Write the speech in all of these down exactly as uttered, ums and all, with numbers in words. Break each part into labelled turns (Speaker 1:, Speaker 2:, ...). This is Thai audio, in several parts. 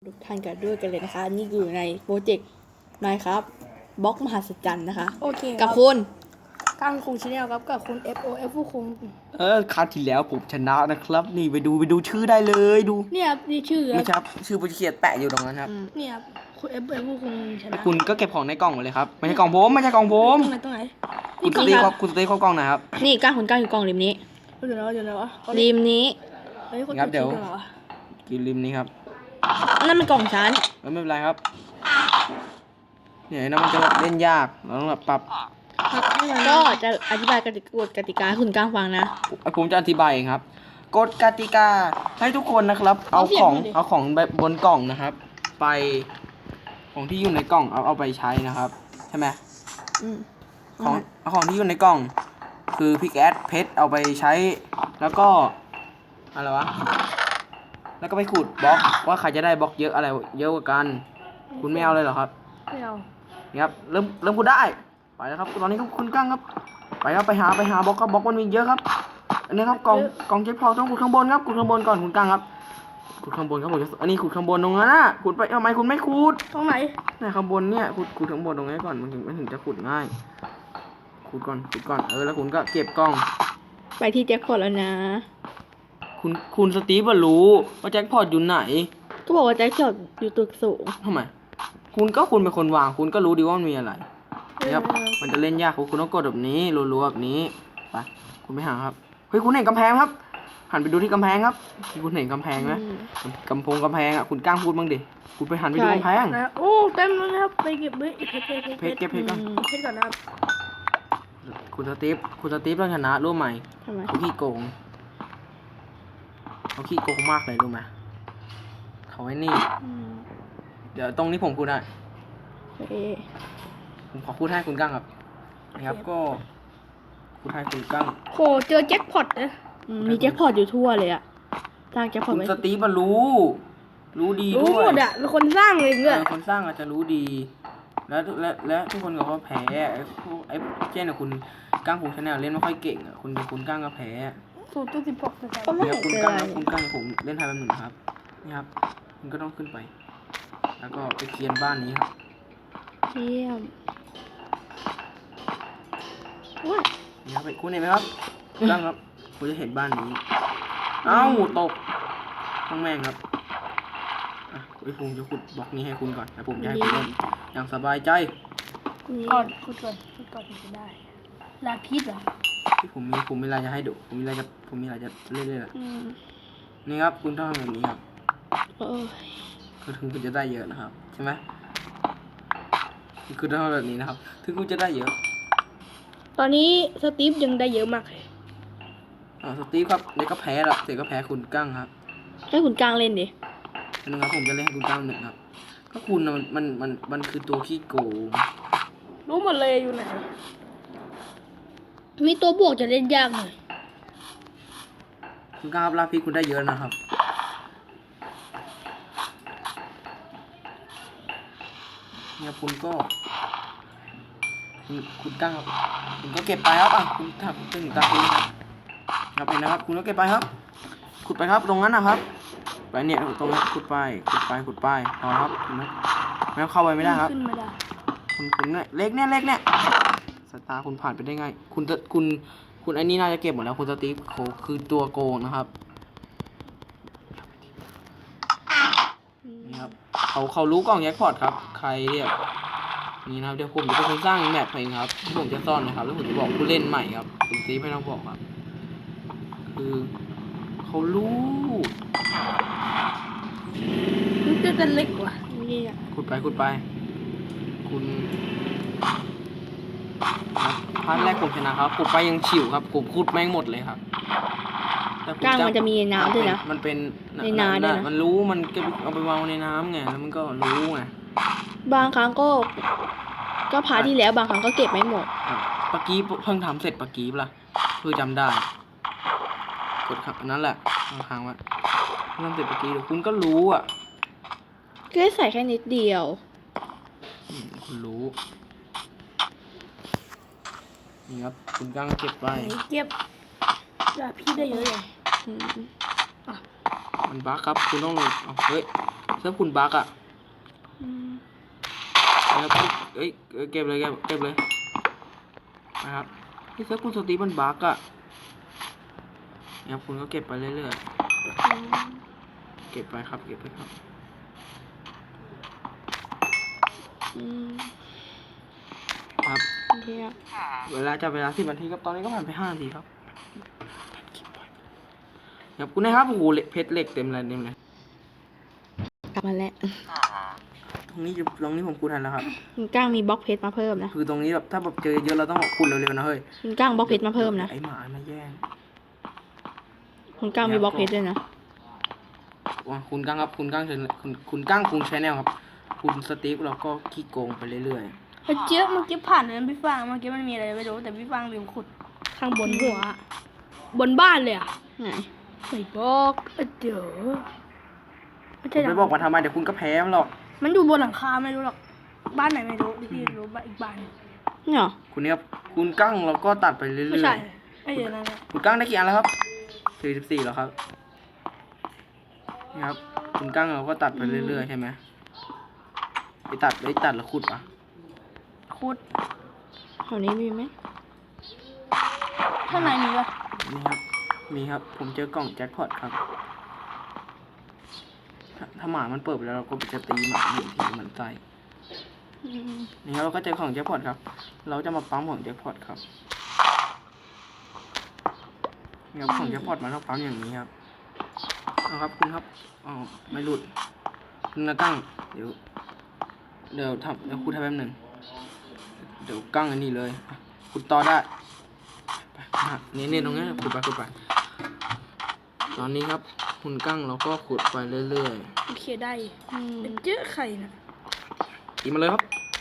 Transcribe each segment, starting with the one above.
Speaker 1: ทุกท่านกันด้วยกันเลยนะคะ นี่อยู่ในโปรเจกต์นายครับบล็อกมหัศจรรย์นะคะ
Speaker 2: โอเค
Speaker 1: กับคุณ
Speaker 2: กังคุงชาแนลครับกับคุณ เอฟ โอ เอฟ ผู้คุง
Speaker 3: เออคราวที่แล้วผมชนะนะครับ นี่ไปดูไปดูชื่อได้เลยดู
Speaker 2: เนี่ยครับนี่ชื่อค
Speaker 3: ไม่
Speaker 2: รับ
Speaker 3: ใช่ครับชื่อผู้เขียนแปะอยู่ตรงนั้นครับ
Speaker 2: เนี่ยครับคุณ เอฟ โอ เอฟ ผู้คุงชนะ
Speaker 3: คุณก็เก็บของในกล่องหมดเลยครับไม่ใช่กล่องผมไม่ใช่กล่องผม
Speaker 2: ตรงไหนตรงไหน
Speaker 3: คุณสตีฟครับคุณสตีฟเข้ากล่องหนะครับ
Speaker 1: นี่ก้างคุณก้างอยู่กล่องริมนี้
Speaker 2: เดี๋ยวนะเดี๋ยวนะวะ
Speaker 1: ริมนี้
Speaker 2: เฮ้ยคน
Speaker 3: ครับเดี๋ยว
Speaker 2: ชื่ออะไรวะ
Speaker 3: กินริมนี้ครับ
Speaker 1: อันนั้นเป็นกล่องชั้น
Speaker 3: เออไม่เป็นไรครับเนี่ยนะมันจะเล่นยากเราต้องแบบปรับ
Speaker 2: ครับนี่มัน
Speaker 1: ก็จะอธิบายกติกากฎกติกาให้คุณก้างฟังนะ
Speaker 3: ผมจะอธิบายเองครับกฎกติกาให้ทุกคนนะครับ เอาของเอาของแบบบนกล่องนะครับ ไปของที่อยู่ในกล่องเอาเอาไปใช้นะครับใช่ไหม
Speaker 1: อืม
Speaker 3: ของเอาของที่อยู่ในกล่อง คือพิกแอดเพชรเอาไปใช้แล้วก็อะไรวะแล้วก็ไปขุดบล็อกว่าใครจะได้บล็อกเยอะอะไรเยอะกว่ากัน คุณไม่เอาเลยเหรอครับ
Speaker 2: ไม่เอา
Speaker 3: นี่ครับเริ่มเริ่มขุดได้ไปแล้วครับตอนนี้ครับคุณกั้งครับไปครับไปหาไปหาบล็อกครับบล็อกมันมีเยอะครับอันนี้ครับกล่องกล่องเจ็บพอต้องขุดข้างบนครับขุดข้างบนก่อนคุณกั้งครับขุดข้างบนครับผมจะอันนี้ขุดข้างบนตรงนั้นนะขุดไปทำไมคุณไม่ขุด
Speaker 2: ตรงไหน
Speaker 3: เนี่ยข้างบนเนี่ยขุดขุดข้างบนตรงนี้ก่อนมันถึงมันถึงจะขุดง่ายขุดก่อนขุดก่อนเออแล้วคุณก็เก็บกล่อง
Speaker 1: ไปที่แจ็คพอตแล้วนะ
Speaker 3: คุณคุณสตีฟอะรู้ว่าแจ็คพอตอยู่ไหน
Speaker 1: ก็บอกว่าแจ็คพอตอยู่ตึกสูง
Speaker 3: ทำไมคุณก็คุณเป็นคนวางคุณก็รู้ดีว่ามันมีอะไรนะครับมันจะเล่นยากคุณต้องกดแบบนี้รัวๆแบบนี้ไปคุณไปหาครับเฮ้ยคุณเห็นกำแพงครับหันไปดูที่กำแพงครับคุณเห็นกำแพงไหม
Speaker 1: อืม
Speaker 3: กำพงกำแพงอ่ะคุณกล้างพูดบ้างดิคุณไปหันไปดู
Speaker 1: ใช่
Speaker 3: กำแพง
Speaker 2: นะโอ้เต็มเลยนะครับไปเก็บเพชรเพชรเพชร
Speaker 3: เพชรเก็บเพชรก่อน
Speaker 1: อืม
Speaker 2: เพชรก่อนนะครับ
Speaker 3: คุณสตีฟคุณสตีฟต้องชนะรู้ไหม
Speaker 1: ทำไม
Speaker 3: เขาขี้โกงเขาขี้โกงมากเลยรู้ไหมเขาไอ้นี่
Speaker 1: อืม
Speaker 3: เดี๋ยวตรงนี้ผมพูดได้
Speaker 1: โอเค
Speaker 3: ผมขอพูดให้คุณกั้งครับนะครับก็พูดให้คุณกั้ง
Speaker 2: โหเจอแจ็คพอตนะ
Speaker 1: อืมมีแจ็คพอตอยู่ทั่วเลยอะสร้างแจ็คพอต
Speaker 3: คุณ
Speaker 1: ไว้
Speaker 3: สตีฟมันรู้ รู้ดี
Speaker 2: รู้
Speaker 3: ด้วย
Speaker 2: หมดอะเป็นคนสร้างเอง
Speaker 3: เอ
Speaker 2: ด้วย
Speaker 3: อคนสร้างอาจจะรู้ดี แล้วและและทุกคนก็ว่าแพ้ไอ้พวกไอ้เช่นอะคุณก้างผมชาแนลเล่นไม่ค่อยเก่งอะคุณคุณก้างก็แพ้
Speaker 2: สูตรตัวสิบหกนะครับ
Speaker 1: ก็ไม่
Speaker 3: เดี๋ยว
Speaker 1: เห็น
Speaker 3: คุณ
Speaker 1: เป็น
Speaker 3: ก้าง
Speaker 1: ไร
Speaker 3: ครับคุณก้างผมเล่นไทยแบบหนึ่งนะครับนี่ครับ คุณก็ต้องขึ้นไป แล้วก็ไปเคลียร์บ้านนี้ครับ
Speaker 1: เยี่ยมว้า
Speaker 3: นี่ครับคุณเห็นไหมครับก้างครับคุณจะเห็นบ้านนี้ เอ้าตกต้องแม่งครับอ่ะไอ้ผมจะขุดบล็อกนี้ให้คุณก่อนแล้วผมจะให้คุณเล่นอย่างสบายใจ
Speaker 1: นี่
Speaker 2: ก่อนคุณก่อนคุณก่อนถึงจะได้ลาพิษเหรอ
Speaker 3: ที่ผมมีผมมีอะไรจะให้ดูผมมีอะไรจะผมมีอะไรจะเล่นเลยล่ะ
Speaker 1: อืม
Speaker 3: นี่ครับคุณต้องทำแบบนี้ครับ
Speaker 1: โอ้ย
Speaker 3: คือถึงคุณจะได้เยอะนะครับใช่ไหมคือต้องทำแบบนี้นะครับ ถึงคุณจะได้เยอะ
Speaker 2: ตอนนี้สตีฟยังได้เยอะมากเลย
Speaker 3: อ่าสตีฟครับเด็กก็แพ้ละเด็กก็แพ้คุณกั้งครับ
Speaker 1: ให้คุณก้างเล่นดิ
Speaker 3: อันนึงครับผมจะเล่นให้คุณกั้งหนึ่งครับก็คุณน่ะมันมันมันมันคือตัวขี้โกง
Speaker 2: รู้หมดเลยอยู่ไหนมีตัวบวกจะเล่นยากหน่อย
Speaker 3: คุณกั้งครับลาพี่คุณได้เยอะนะครับเนี่ยคุณก็คุณคุณกั้งครับคุณก็เก็บไปครับอ่ะคุณถ้าถึงตาคุณครับครับเห็นนะครับ คุณก็เก็บไปครับ ขุดไปครับตรงนั้นนะครับไปเนี่ยตรงนี้ขุดไปขุดไปขุดไปพอครับเห็นไหมไม่เข้าไปไม่ได้ครับ
Speaker 2: ขึ้นไม่ได้
Speaker 3: คุณคุณเนี่ยเล็กเนี่ยเล็กเนี่ยสตาร์คุณผ่านไปได้ไง คุณจะคุณคุณไอ้นี่น่าจะเก็บหมดแล้วคุณสตีฟโคคือตัวโกงนะครับนี่ครับเขาเขารู้กล่องแจ็คพอตครับใครเรียกนี่นะครับเดี๋ยวผมจะเป็นคนสร้างแมปเองครับที่ผมจะซ่อนนะครับแล้วผมจะบอกผู้เล่นใหม่ครับคุณสตีฟไม่ต้องบอกครับคือเขารู้
Speaker 2: มันจะเป็นเล็กกว่า
Speaker 1: นี่อะ
Speaker 3: ขุดไปขุดไป คุณพาร์ทแรกผมชนะครับขุดไปยังฉิวครับผมขุดแม่งหมดเลยครับแต่ผ
Speaker 1: ก้างมันจะมีน้ำด้วยนะ
Speaker 3: มันเป็น
Speaker 1: ในน้ำด้วยนะ
Speaker 3: มันรู้มันก็เอาไปวางในน้ำไงแล้วมันก็รู้ไง
Speaker 1: บางครั้งก็ ก็พาร์ทที่แล้วบางครั้งก็เก็บไม่หมด
Speaker 3: อ่ะปะกี้เพิ่งทำเสร็จปะกี้ปะล่ะคือจำได้กดครับอันนั้นแหละค้างไว้เพิ่งทำเสร็จปะกี้เดี๋ยวคุณก็รู้อ่ะ
Speaker 1: ก็ใส่แค่นิดเดียว
Speaker 3: อืมคุณรู้นี่ครับคุณกั้งเก็บไป
Speaker 2: ไหนเก็บลาพิษได้เยอะเลย
Speaker 1: อืม
Speaker 3: มันบั๊กครับ คุณต้องลงเอาเฮ้ยเซิร์ฟคุณบักอ่ะ
Speaker 2: อืม
Speaker 3: นะครับเอ้ยเอ้ยเก็บเลยเก็บเก็บเลยนะครับที่เซิร์ฟคุณสตีฟมันบักอ่ะนะครับคุณก็เก็บไปเรื่อยๆเก็บไปครับเก็บไปครับ
Speaker 1: อืม
Speaker 3: ครับ
Speaker 1: โอเคครับ
Speaker 3: เวลาจะเวลาสิบนาทีครับตอนนี้ก็ผ่านไปห้านาทีครับครับคุณนะครับโอ้โหเหล็กเพชรเหล็กเต็มเลยเต็มเลย
Speaker 1: กลับมาแล้ว
Speaker 3: ตรงนี้อยู่ตรงนี้ผมคูดทันแล้วครับ
Speaker 1: คุณก้างมีบล็อกเพชรมาเพิ่มนะ
Speaker 3: คือตรงนี้แบบถ้าแบบเจอเยอะเราต้องคูดเร็วๆนะเฮ้ย
Speaker 1: คุณก้างบล็อกเพชรมาเพิ่มนะ
Speaker 3: ไอหมามาแย่ง
Speaker 1: คุณก้างมีบล็อกเพชรด้วยนะ
Speaker 3: ว่าคุณก้างครับคุณก้างเชิญคุณคุณก้างคุณชแนลครับ คุณสตีฟเราก็ขี้โกงไปเรื่อย
Speaker 2: เฮ้ยเจ๊เมื่อกี้ผ่านนั้นพี่ฟางเมื่อกี้มันมีอะไรไม่รู้แต่พี่ฟางลืมขุดข้างบนหัวอะบนบ้านเลยอ่ะ
Speaker 1: ไหน
Speaker 2: ไม่บอกเอ้ยเดี๋ยวไม่
Speaker 3: ๆ
Speaker 2: ใช่หลั
Speaker 3: ไม่
Speaker 2: ง
Speaker 3: บอกมาทำไมเดี๋ยวคุณก็แพ้มันหรอก
Speaker 2: มันอยู่บนหลังคาไม่รู้หรอกบ้านไหนไม่รู้พี่รู้บ้านอีกบ้านหนึ่ง
Speaker 1: เนี่ยเหรอ
Speaker 3: คุณเนี่ยครับคุณก้างเราก็ตัดไปเรื่อยๆ
Speaker 2: ไม่ใช่ไม่เดี๋ยวนั้นนะ
Speaker 3: คุณก้างได้กี่อันแล้วครับสี่สิบสี่แล้วครับนี่ครับ คุณก้างเราก็ตัดไปเรื่อยๆใช่ไหมไปตัดไปตัดแล้วขุดปะ
Speaker 2: ขุด
Speaker 1: แถวนี้มีไหม
Speaker 2: ข้างในมีปะ
Speaker 3: นี่ครับ มีครับ ผมเจอกล่องแจ็คพอตครับ ถ้าถ้าหมามันเปิดไปแล้วเราก็จะตีหมาหนึ่งทีมันใส่
Speaker 1: อืม
Speaker 3: นี่ครับเราก็เจอของแจ็คพอตครับ เราจะมาปั๊มของแจ็คพอตครับนี่ครับของแจ็คพอตมันต้องปั๊มอย่างนี้ครับเอาครับคุณครับอ๋อไม่หลุดคุณนะกั้งเดี๋ยว เดี๋ยวทำเดี๋ยวคุณทำแป๊บหนึ่งเดี๋ยวกั้งอันนี้เลยคุณต่อได้ไปนี่นี่ตรงนี้ขุดไปขุดไปตอนนี้ครับ คุณกั้งเราก็ขุดไปเรื่อย
Speaker 2: โอเคได้
Speaker 1: อืม
Speaker 2: เป็นเจ๊ไข่นะ
Speaker 3: ๆตีมาเลยครับ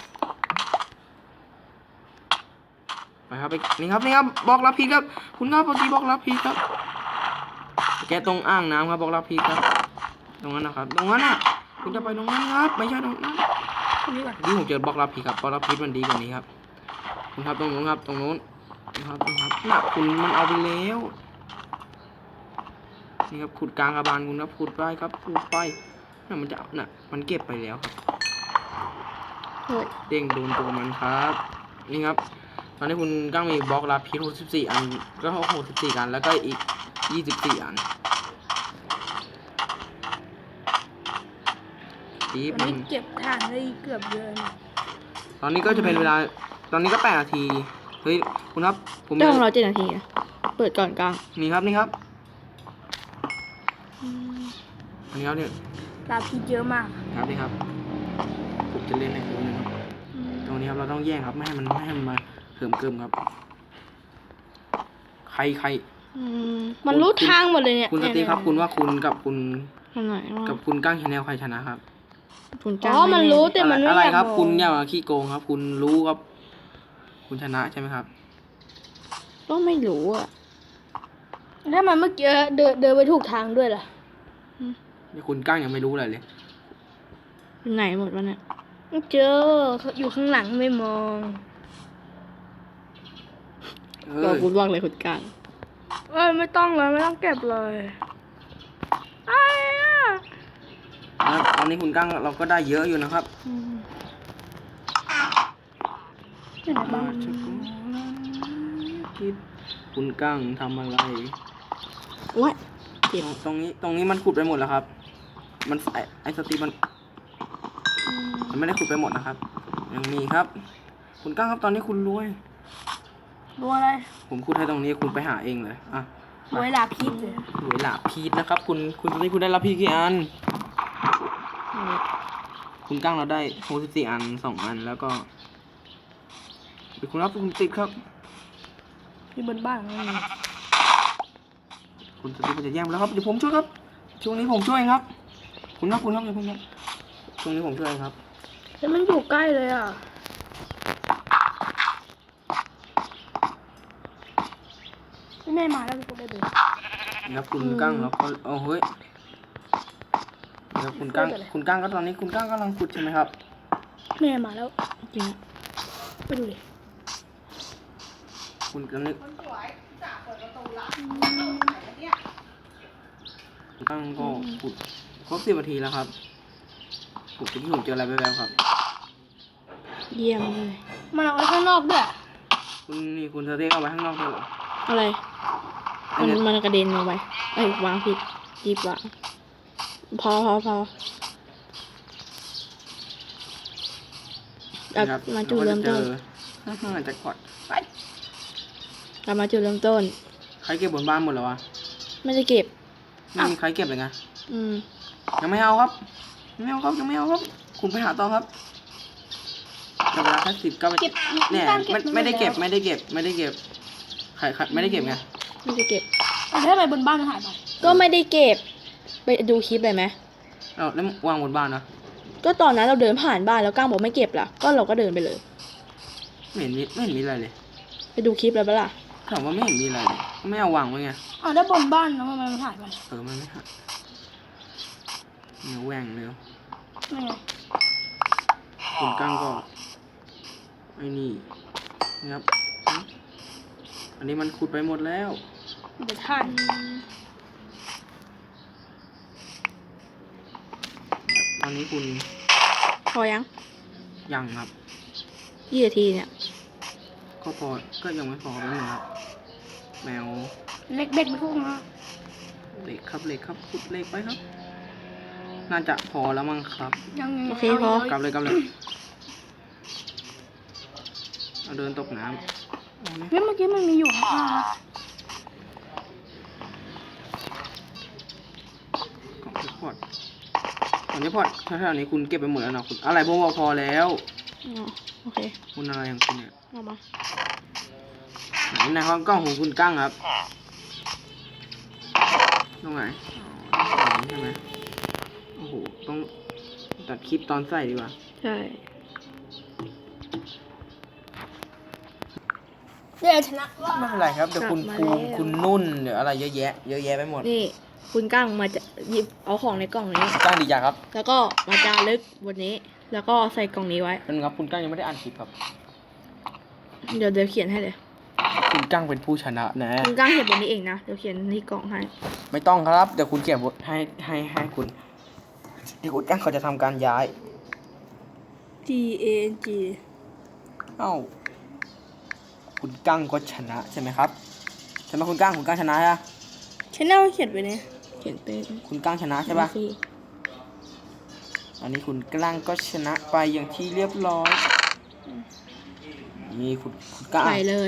Speaker 3: ไปครับไปนี่ครับนี่ครับบล็อกรับพีครับ คุณครับปกติบล็อกรับพีครับแกตรงอ่างน้ำครับบล็อกรับพีครับ ตรงนั้นนะครับตรงนั้นน่ะคุณจะไปตรงนั้นครับไม่ใช่ตรงนั้น
Speaker 2: ตรงนี้ก่อน
Speaker 3: นี่ผมเจอบล็อกรับพีครับบล็อกรับพีมันดีกว่านี้ครับคุณครับตรงนู้นครับตรงนู้นนะครับตรงครับน่ะคุณมันเอาไปแล้วนี่ครับขุดกลางกระบาลคุณครับขุดไปครับขุดไปน่ะมันจะน่ะมันเก็บไปแล้วครับ
Speaker 1: เฮ้ย
Speaker 3: เด้งโดนตัวมันครับนี่ครับตอนนี้คุณก้างมีบล็อกรับพีหกสิบสี่อันก็หกสิบสี่อันแล้วก็อีกยี่สิบสี่อันตี
Speaker 2: วัน
Speaker 3: มัน
Speaker 2: นี้เก็บถ่านได้เกือบเยอะนะ
Speaker 3: ตอนนี้ก็จะเป็นเวลาตอนนี้ก็แปดนาทีเฮ้ยคุณครับผม
Speaker 1: เจ้าของเราเจ็ดนาทีนะเปิดก่อนกลาง
Speaker 3: นี่ครับนี่ครับ
Speaker 1: อืม
Speaker 3: อันนี้ครับเนี่ย
Speaker 2: ลาพีเยอะมาก
Speaker 3: ครับนี่ครับผมจะเล่นในตัวนึงครับตรงนี้ครับเราต้องแย่งครับไม่ให้มันไม่ให้มันมาเขิมเกิมครับ ใครใคร
Speaker 1: อืม
Speaker 2: มันรู้ทางหมดเลยเนี่ย
Speaker 3: คุณสตีฟครับคุณว่าคุณกับคุณ
Speaker 1: อันไหนวะ
Speaker 3: กับคุณก้างชาแนลใครชนะครับ
Speaker 1: คุณ
Speaker 2: อ๋
Speaker 1: ก้าง
Speaker 2: อมันรู้แต่มันไม่
Speaker 3: อะไร
Speaker 2: อยาก
Speaker 3: ครับ
Speaker 2: อก
Speaker 3: คุณอย่ามาขี้โกงครับ คุณรู้ครับ คุณชนะใช่ไหมครับ
Speaker 1: ก็ไม่รู้อ่ะ
Speaker 2: ถ้ามันเมื่อกี้เดินเดินไปถูกทางด้วยล่ะ
Speaker 3: นี่คุณก้างยังไม่รู้อะไรเลย
Speaker 1: อยู่ไหนหมดวะเนี่ย
Speaker 2: ไม่เจออยู่ข้างหลังไม่มอง
Speaker 3: เอ
Speaker 1: ก็
Speaker 3: อ
Speaker 1: พูดว่างเลยคุณก้าง
Speaker 2: เอ้ยไม่ต้องเลยไม่ต้องเก็บเลยไอ้อะ
Speaker 3: แล้วตอนนี้คุณก้างเราก็ได้เยอะอยู่นะครับ
Speaker 1: อืม
Speaker 2: อยู่ไหนบ้าง
Speaker 3: คิดคุณก้างทำอะไร
Speaker 1: โอ้ยเจ็บ
Speaker 3: ตรงนี้ตรงนี้มันขุดไปหมดแล้วครับ มันไอไอสตีมัน
Speaker 1: อืม
Speaker 3: มันไม่ได้ขุดไปหมดนะครับ ยังมีครับ คุณก้างครับตอนนี้คุณรวย
Speaker 2: ดูอะไร
Speaker 3: ผมขุดให้ตรงนี้คุณไปหาเองเลยอ่ะ
Speaker 2: รวยลาพีเลย
Speaker 3: รวยหลาพีดนะครับ คุณคุณตอนนี้คุณได้รับพีกี่อัน คุณก้างเราได้หกสิบสี่อันสองอันแล้วก็เดี๋ยวคุณรับคุณติดครับ
Speaker 2: ที่บนบ้านนั่น
Speaker 3: คุณสติมันจะแย่งแล้วครับเดี๋ยวผมช่วยครับช่วงนี้ผมช่วยครับ คุณครับคุณครับเดี๋ยวคุณครับช่วงนี้ผมช่วยครับ
Speaker 2: แต่มันอยู่ใกล้เลยอ่ะพี่แม่มาแล้วพี่ก็ได้ดู
Speaker 3: นะครับคุณก้างแล้วก็โอ้เฮ้ยนะครับคุณก้างคุณก้างก็ตอนนี้คุณก้างกำลังขุดใช่ไหมครับ
Speaker 2: แม่มาแล้ว
Speaker 1: จริงอะ
Speaker 2: ไปดูดิ
Speaker 3: คุณกำลังคุณก้างก็ขุดครบสิบนาทีแล้วครับผมที่ผมเจออะไรแววๆครับ
Speaker 1: เยี่ยมเลย
Speaker 2: มันเอาไว้ข้างนอกด้วย
Speaker 3: คุณนี่คุณสเต็กเอาไว้ข้างนอกด้วยเหรอ
Speaker 1: อะไร
Speaker 3: อั
Speaker 1: มัน น
Speaker 3: เนี้ย
Speaker 1: มันกระเด็นลงไปเอ้ยวางผิดจีบวางพอพอพอ กลับ
Speaker 3: นะครับ
Speaker 1: มาจุดเริ่มต้น
Speaker 3: เราก็จะเจอฮ่าๆแจ็คพอตไป
Speaker 1: กลับมาจุดเริ่มต้น
Speaker 3: ใครเก็บบนบ้านหมดแล้ววะ
Speaker 1: ไม่ได้เก็บ
Speaker 3: ไม่มีใครเก็บเลยไง
Speaker 1: อืม
Speaker 3: ยังไม่เอาครับยังไม่เอาครับยังไม่เอาครับ คุณไปหาต่อครับแต่เวลาแค่สิบก็ไป
Speaker 2: เก็บ
Speaker 3: เนี่ย
Speaker 2: ตั้งเก็บ
Speaker 3: ไม่
Speaker 2: น
Speaker 3: ไม่ได้เก็บ
Speaker 2: แล้ว
Speaker 3: ไม่ได้เก็บไม่ได้เก็บใครใครไม่ได้เก็บไง
Speaker 1: ไม่ได้เก็บ
Speaker 2: แต่ถ้าไปบนบ้านมันหายไป
Speaker 1: ก็ไม่ได้เก็บ ไปดูคลิปเลยไหม
Speaker 3: เราแล้ววางบนบ้านนะ
Speaker 1: ก็ตอนนั้นเราเดินผ่านบ้านแล้วก้างบอกไม่เก็บล่ะ ก็เราก็เดินไปเลย
Speaker 3: ไม่เห็นมีไม่เห็นมีอะไรเลย
Speaker 1: ไปดูคลิปแล้วปะล่ะ
Speaker 3: ถามว่าไม่เห็นมีอะไรเลยไม่เอาวางไว้ไง
Speaker 2: อ๋อได้บนบ้านแล้วมันมันหายไป
Speaker 3: เออมันไม่หักเนื้อแหว่งเนื้อ
Speaker 2: นี่ไง
Speaker 3: คุณกั้งก็ไอ้นี่นะครับอันนี้มันขุดไปหมดแล้ว
Speaker 2: เดี๋ยวท่าน
Speaker 3: ตอนนี้คุณ
Speaker 1: พอยัง
Speaker 3: ยังครับ
Speaker 1: ยี่นาทีเนี่ย
Speaker 3: ก็พอก็ยังไม่พอแป๊บนึงครับ แมว
Speaker 2: เล็กเด็กไปพวกนะ
Speaker 3: เหล็กครับเหล็กครับขุดเหล็กไปครับ น่าจะพอแล้วมั้งครับ
Speaker 2: ยังยัง
Speaker 1: โอเคพอ
Speaker 3: กลับเลยกลับเลยเอาเดินตกน้ำเอาไหม
Speaker 2: เฮ้ยเมื่อกี้มันมีอยู่ข้าง
Speaker 3: กล่องเทปพอดกล่องเทปพอดแถวๆนี้คุณเก็บไปหมดแล้วเนาะคุณอะไรบอกว่าพอแล้ว
Speaker 1: อ๋อโอเค
Speaker 3: คุณอะไรของคุณเนี่ย
Speaker 1: เอามา
Speaker 3: ไหนในห้องกล้องของคุณกั้งครับตรงไหนอ๋อตรงนี้ใช่ไหมโอ้โหต้องตัดคลิปตอนใส่ดีกว่า
Speaker 1: ใช่
Speaker 2: เดี๋ยวชนะว่า
Speaker 3: ไม่เป็นไรครับเดี๋ยวคุณภูมิคุณนุ่นเดี๋ยวอะไรเยอะแยะเยอะแยะไปหมด
Speaker 1: นี่คุณก้างมาจะหยิบเอาของในกล่องนี้
Speaker 3: กั้งดีจังครับ
Speaker 1: แล้วก็มาจารึกบนนี้ แล้วก็ใส่กล่องนี้ไว้
Speaker 3: เป็นครับคุณกั้งยังไม่ได้อ่านคลิปครับ
Speaker 1: เดี๋ยวเดี๋ยวเขียนให้เลย
Speaker 3: คุณกั้งเป็นผู้ชนะนะ
Speaker 1: คุณก้างเขียนบนนี้เองนะ เดี๋ยวเขียนที่กล่องให้
Speaker 3: ไม่ต้องครับเดี๋ยวคุณเขียนบทให้ให้ให้คุณเดี๋ยวคุณกั้งเขาจะทำการย้าย
Speaker 1: G A N G
Speaker 3: เอ้าคุณกั้งก็ชนะใช่ไหมครับใช่ไหมคุณกั้งคุณกั้งชนะใช่ปะ
Speaker 2: ชแนลเขียนไปเนี่ย
Speaker 1: เขียนเป็น
Speaker 3: คุณกั้งชนะใช่ปะ
Speaker 1: สิ
Speaker 3: อันนี้คุณกั้งก็ชนะไปอย่างที่เรียบร้อยนี่คุณคุณกั้ง
Speaker 1: ใส่เลย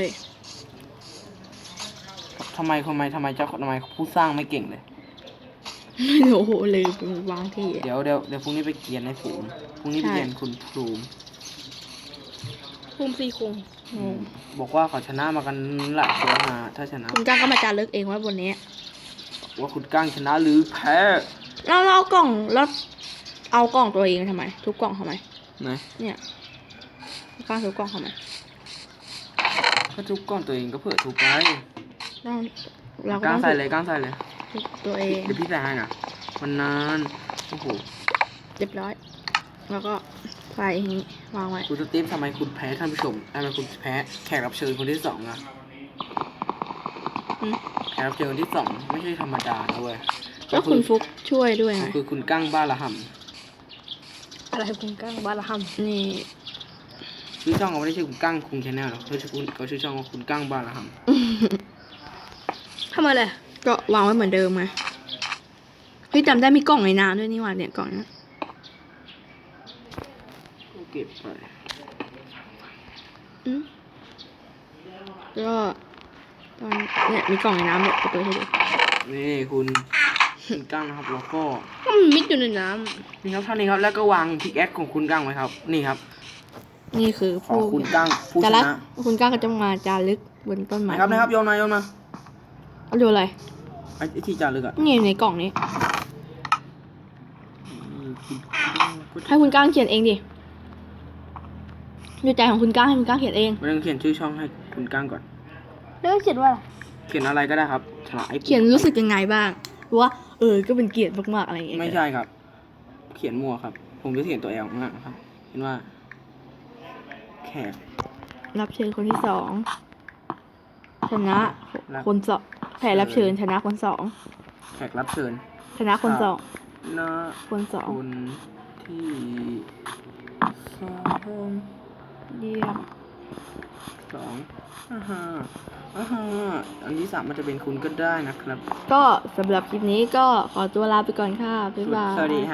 Speaker 3: ทำไมทำไมทำไมเจ้าทำไมผู้สร้างไม่เก่งเลย
Speaker 1: โอ้โหลืมวางที่
Speaker 3: เดี๋ยวเดี๋ยวเดี๋ยวพรุ่งนี้ไปเกียนในฝูงพรุ่งนี้ไป
Speaker 1: ใช่
Speaker 3: เกียนคุณภูมิ
Speaker 1: ภูมิซีคงงง
Speaker 3: บอกว่าเขาชนะมากันหลายคนมาถ้าชนะ
Speaker 1: คุณก้างก็มาจารึกเองไว้บนนี้
Speaker 3: ว่าคุณกั้งชนะหรือแพ้
Speaker 1: แล้วเราเอากล่องแล้วเอากล่องตัวเองทำไม ทุกกล่องทำไม
Speaker 3: ไหน
Speaker 1: เนี่ยก้างทุกกล่องทำไม
Speaker 3: ก็ทุบก้อนตัวเองก็เผื่อทุบไป
Speaker 1: ต้องเราก็
Speaker 3: ก้า
Speaker 1: ต้อง
Speaker 3: งใส่เลยก้างใส่เลย
Speaker 1: ทุกตัวเอง
Speaker 3: เดี๋ยวพี่ใส่ให้นะมันนานโอ้โห
Speaker 1: เรียบร้อย แล้วก็ใส่อย่างนี้วางไว้
Speaker 3: คุณสตีฟทำไมคุณแพ้ท่านผู้ชมทำไมคุณแพ้แขกรับเชิญคนที่สองอะ
Speaker 1: อืม
Speaker 3: แขกรับเชิญคนที่สองไม่ใช่ธรรมดานะเว้ย
Speaker 1: ก็คุณฟุกช่วยด้วยไง
Speaker 3: คือคุณกั้งบ้าละห
Speaker 2: อะไรคุณก้างบ้านละห
Speaker 1: นี่
Speaker 3: ำชื่อช่องเขาไม่ได้ชื่อคุณกั้งคุงชาแนลหรอกเขาชื่อคุณเขาชื่อช่องว่าคุณกั้งบ้าละห
Speaker 2: ำทำไมเลย
Speaker 1: ก็วางไว้เหมือนเดิมไงเฮ้ยจำได้มีกล่องในน้ำด้วยนี่หว่าเนี่ยกล่องนี้
Speaker 3: ำก็เก็บไป
Speaker 1: อืมก็ตอนเนี่ยมีกล่องในน้ำเนี่ยไปเปิดให้ดู
Speaker 3: นี่คุณคุณกั้งนะครับแล้วก็
Speaker 2: มันมิดอยู่ในน้
Speaker 3: นี่ครับเท่านี้ครับแล้วก็วางพิกแอคของคุณกั้งไว้ครับ นี่ครับ
Speaker 1: นี่คือ
Speaker 3: ของ
Speaker 1: ผู้
Speaker 3: คุณกั้งผู้ช
Speaker 1: จารึก
Speaker 3: นะ
Speaker 1: คุณก้างก็จะมาจารึกบนต้นไม้
Speaker 3: นะครับนะครับโยนมาโยนมา
Speaker 1: เอาดูอะไร
Speaker 3: ไอ้ไอ้ที่จารึกอะ
Speaker 1: นี่อยู่ในกล่องนี้
Speaker 3: คุณกั้งก็
Speaker 1: ให้คุณก้างเขียนเองดิดูใจของคุณก้างให้คุณก้างเขียนเอง
Speaker 3: ไม่ต้องเขียนชื่อช่องให้คุณกั้งก่อน
Speaker 2: ำแล้วเขียนว่าอะไร
Speaker 3: เขียนอะไรก็ได้ครับฉลาดไอ้
Speaker 1: เขียนรู้สึกยังไงบ้างว่าเออก็เป็นเกียรติมากๆอะไรอย่างเงี้ย
Speaker 3: ไม่ใช่ครับ เขียนมั่วครับ ผมจะเขียนตัวแอลข้างหลังครับ เห็นว่า แขก
Speaker 1: รับเชิญคนที่สองชนะ
Speaker 3: รับ
Speaker 1: คนสองแผ่รับเชิญชนะคนสอง
Speaker 3: แขกรับเชิญ
Speaker 1: ชนะคนสอง
Speaker 3: นะ
Speaker 1: คนสอง
Speaker 3: คุณทที่สอง
Speaker 1: เยี่ยม
Speaker 3: สองอ่าฮะอ่าฮะอันที่สามมันจะเป็นคุณก็ได้นะครับ
Speaker 1: ก็สำหรับคลิปนี้ก็ขอตัวลาไปก่อนค่ะ บ๊ายบาย
Speaker 3: สวัสดีฮะ